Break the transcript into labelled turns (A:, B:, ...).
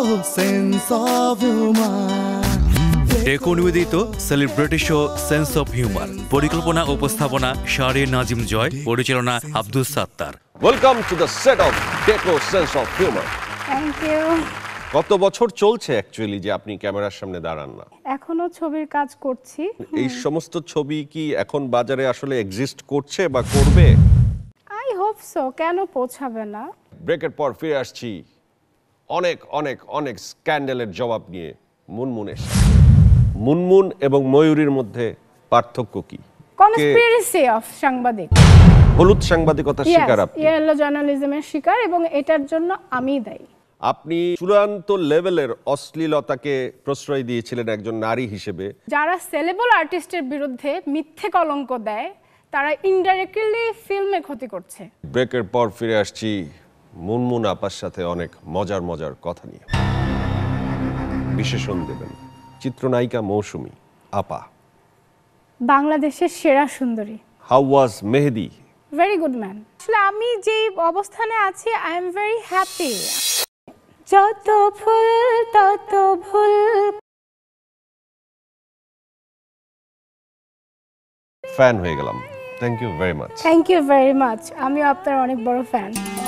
A: Sense of humour.
B: টেকো নিবেদিত celebrity show sense of humour, পরিকল্পনা ও উপস্থাপনা শাহরিয়ার নাজিম জয়, পরিচালনা Abdus Sattar.
C: Welcome to the set of টেকো sense of humour.
D: Thank you.
C: কত বছর চলছে অ্যাকচুয়ালি যে আপনি ক্যামেরার সামনে দাঁড়ান না?
D: এখনো ছবির কাজ করছি।
C: এই সমস্ত ছবি কি এখন বাজারে আসলে এক্সিস্ট করছে বা করবে?
D: আই হোপ সো, কেন পৌঁছাবে না।
C: ব্রেকের পর ফিরে আসছি অনেক অনেক অনেক স্ক্যান্ডালের জবাব নিয়ে মুনমুনের সাথে। মুনমুন এবং ময়ূরীর মধ্যে পার্থক্য কি?
D: কনস্পিরেসি অফ সাংবাদিক,
C: হলুদ সাংবাদিকতার শিকার আপনি।
D: ইয়েলো জার্নালিজমের শিকার, এবং এটার জন্য আমি দায়ী।
C: আপনি চূড়ান্ত লেভেলের অশ্লীলতাকে প্রশ্রয় দিয়েছিলেন একজন নারী হিসেবে।
D: যারা সেলেবল আর্টিস্টের বিরুদ্ধে মিথ্যে কলঙ্ক দেয় তারা ইনডাইরেক্টলি ফিল্মে ক্ষতি করছে।
C: ব্রেকের পর ফিরে আসছি মুনমুন আপার সাথে অনেক মজার মজার কথা নিয়ে। বিশেষণ দেবেন চিত্রনায়িকা মৌসুমী আপা।
D: বাংলাদেশের সেরা সুন্দরী।
C: How was Mehedi?
D: Very good man. আসলে আমি যে অবস্থানে আছি, আই এম ভেরি হ্যাপি। যত ফুল তত ভুল।
C: ফ্যান হয়ে গেলাম। Thank you very much.
D: Thank you very much. আমিও আপনার অনেক বড় ফ্যান।